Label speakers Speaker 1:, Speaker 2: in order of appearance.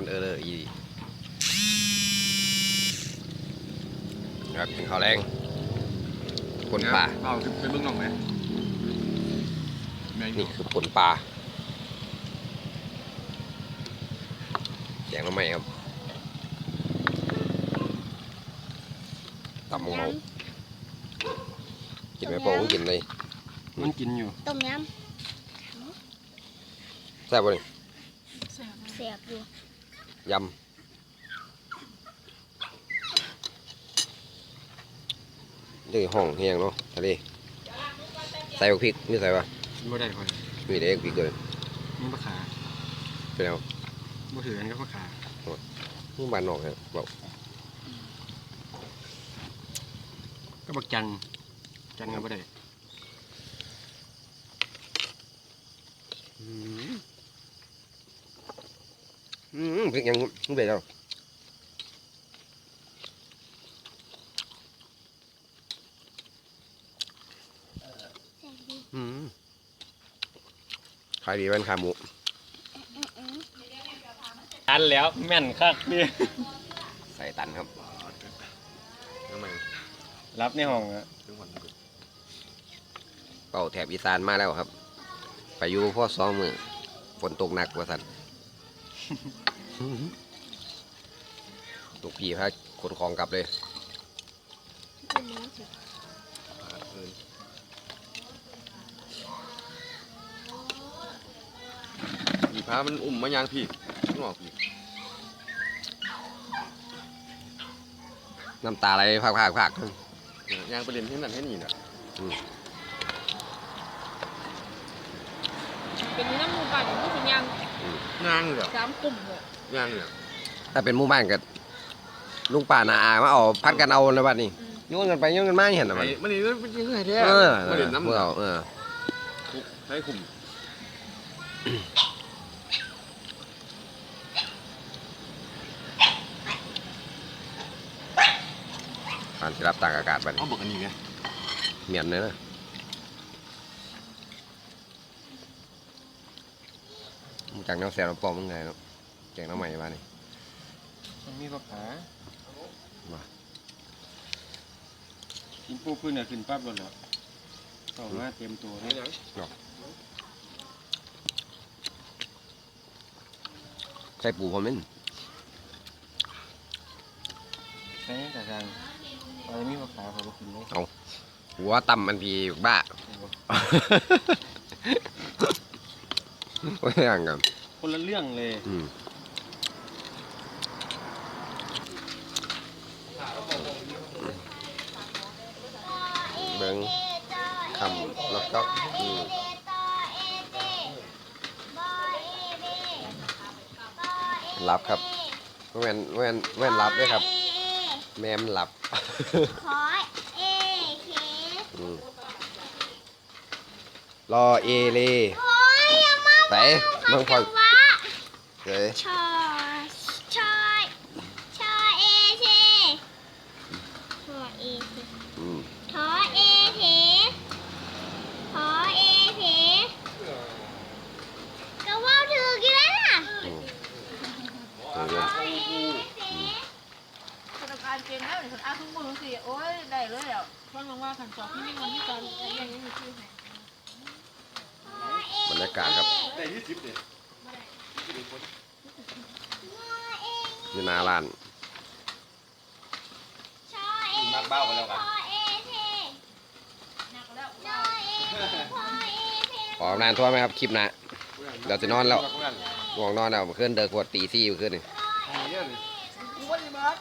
Speaker 1: อีครับกินข้าวแรงผลปลา
Speaker 2: เอาไปเบิ่งน้องไหม
Speaker 1: นี่คือผลปลาแกงละไม้ครับตำมงเมากินไหมโป้งกินเลย
Speaker 2: มันกินอยู่
Speaker 3: ต้มย
Speaker 1: ำแซ่บป่ะนี่
Speaker 3: ำเสียบอยู่
Speaker 1: ยำนี่ห้องเฮียงเนาะทะเลใส่พริกนี่ใส่ป่ะ
Speaker 2: ไม่ได้ค่อย
Speaker 1: มีแต่พริกเลย
Speaker 2: มันมะขา
Speaker 1: เป็นเอา
Speaker 2: บ่ถือกันก็มะขา
Speaker 1: นี่บ้านนอกครับบอก
Speaker 2: ก็บักจันก็ไม่ได้
Speaker 1: พริกยังไม่ได้แล้วขายดีเป็นขาหมู
Speaker 2: ตันแล้วแม่นคักดิ
Speaker 1: ใส่ตันครับ
Speaker 2: รับในห้องอะ
Speaker 1: เป่าแถบอีสานมาแล้วครับไปอยู่พ่อซ้อมมือฝนตกหนักกว่าสันตุกพี่พาขนของกลับเลย
Speaker 2: ผีพามันอุ่มมายางพี่งอกพี่
Speaker 1: น้ำตาไหลพาก
Speaker 2: ยางประเด็นที่นั่นให้นี่นะ
Speaker 4: เป็นน้ำมูกาอย่างที่สิยัง
Speaker 2: ยางเหรอ
Speaker 4: 3 กลุ่มเลย
Speaker 2: ยางเหรอ
Speaker 1: ถ้าเป็นหมู่บ้านกับลุงป่านาอามาเอาพัดกันเอาในบ้านนี้โยนกันไปโยนกันมาเห็นหรือเปล่า
Speaker 2: มันนี่มันยังไงแท้
Speaker 1: มาเด่นน้ำเรา
Speaker 2: ให้คุม
Speaker 1: การที่รับต่างอากาศบ้าน
Speaker 2: เขาบอกอันนี้ไง
Speaker 1: เหมียนเลยนะจากน้ำแซ่บน้ำปอมมึงไงเนาะแกงน้ำใหม่บ้านนี้
Speaker 2: มันมีผักขากินปูขึ้นเนี่ยขึ้นปั๊บเลยเหรอต่อมาเตรียมตัวให้
Speaker 1: ใส่ปูพอมั้ย
Speaker 2: ใช่แต่ทางอะไรมีผักขาเขาบอกกินไหม
Speaker 1: เอาหัวต่ำมันพีบ้าไม่ย่างกัน
Speaker 2: คนละเรื่องเลย
Speaker 1: เบิ้งคำล็อกจ๊อกรับครับแว่นรับด้วยครับแม่มันหลับ
Speaker 3: ขอเอเค
Speaker 1: รอเอเลไปเมืองพอเลย
Speaker 3: ชอเอเคชอเอเคขอเอเคขอเอเคก็ว่าถือกี่แล้วน่ะ
Speaker 4: การเกณฑ์แล้วเนี่ยคนอ้างทุกมือสิโอ้ยได้เลยอ่ะเพราะว่าขันสอบที่นี่มันที่การอย่างนี้มีชื่อไหน
Speaker 1: บรรยากาศครับอยู่หน้าร้าน
Speaker 2: นักเบ้าไปแล้วกัน
Speaker 1: ขอนานทั่วไหมครับคลิปนะเดี๋ยวจะนอนแล้วง่วงนอนแล้วเมื่อคืนเดินขวดตีซี่เมื่อคืนนี่